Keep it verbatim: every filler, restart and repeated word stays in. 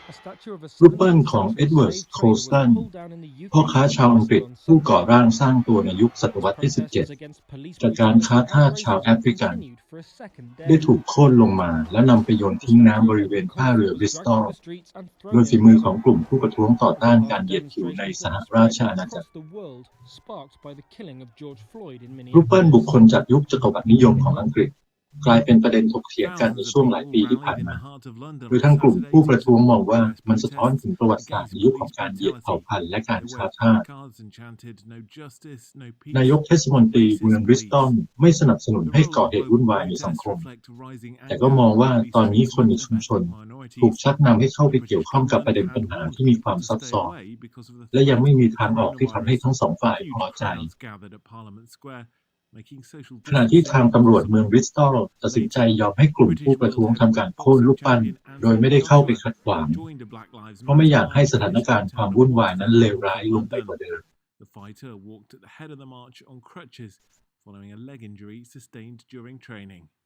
รูปปั้นของเอ็ดเวิร์ด โคลสตันพ่อค้าชาวอังกฤษผู้ก่อร่างสร้างตัวในยุคศตวรรษที่ สิบเจ็ด จากการค้าทาสชาวแอฟริกันได้ถูกโค่นลงมาและนำไปโยนทิ้งน้ำบริเวณท่าเรือบริสตอลโดยฝีมือของกลุ่มผู้ประท้วงต่อต้านการเหยียดผิวในสหราชอาณาจักรรูปปั้นบุคคลจากยุคจักรวรรดินิยมของอังกฤษกลายเป็นประเด็นถกเถียงกันในช่วงหลายปีที่ผ่านมาโดยทั้งกลุ่มผู้ประท้วงมองว่ามันสะท้อนถึงประวัติศาสตร์ในยุคของการเหยียดเผ่าพันธุ์และการค้าทาสนายกเทศมนตรีเมืองบริสตอลไม่สนับสนุนให้ก่อเหตุวุ่นวายในสังคมแต่ก็มองว่าตอนนี้คนในชุมชนถูกชักนำให้เข้าไปเกี่ยวข้องกับประเด็นปัญหาที่มีความซับซ้อนและยังไม่มีทางออกที่ทำให้ทั้งสองฝ่ายพอใจขณะที่ทางตำรวจเมืองบริสตอลตัดสินใจยอมให้กลุ่มผู้ประท้วงทำการโค่นรูปปั้นโดยไม่ได้เข้าไปขัดขวางเพราะไม่อยากให้สถานการณ์ความวุ่นวายนั้นเลวร้ายลงไปกว่าเดิม following a leg injury sustained during training.